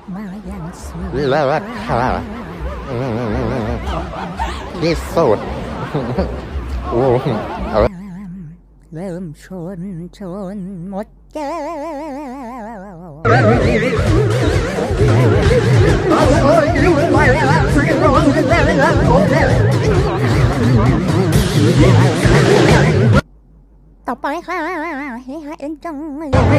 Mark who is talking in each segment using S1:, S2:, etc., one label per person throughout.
S1: มาอย่างสวย
S2: เลิศค่ะที่สุดโอ้เอา
S1: เริ่มชนหมดแก้วต่อไปค่ะให้หาเอ็นจัง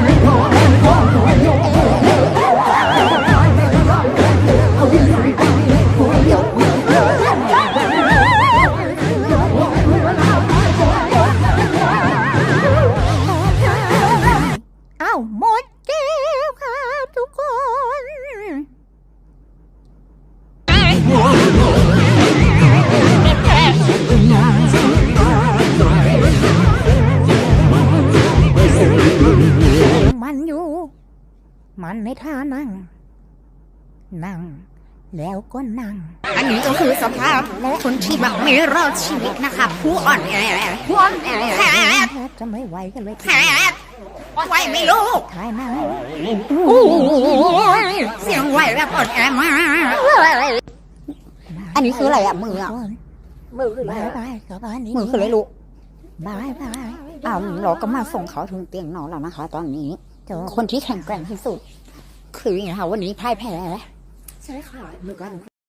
S1: อ้าวหมดแก้วค่ะทุกคนมันอยู่มันในท่านั่งแล้วก็นั่งอันนี้ก็คือสภาพคนที่แบบไม่รอดชีวิตนะคะผู้อ่อนแอจะไม่ไหวกันเลยไหวไม่รู้ถ่ายมาเสียงไหวแบบอ่อนแอมากอันนี้คืออะไรอ่ะมืออ่ะมือคืออะไรมือคืออะไรลูกบายเราก็มาส่งเขาถึงเตียงนอนแล้วนะคะตอนนี้คนที่แข็งแกร่งที่สุดคืออย่างไรคะวันนี้พ่ายแพ้ใช่ค่ะมือกัน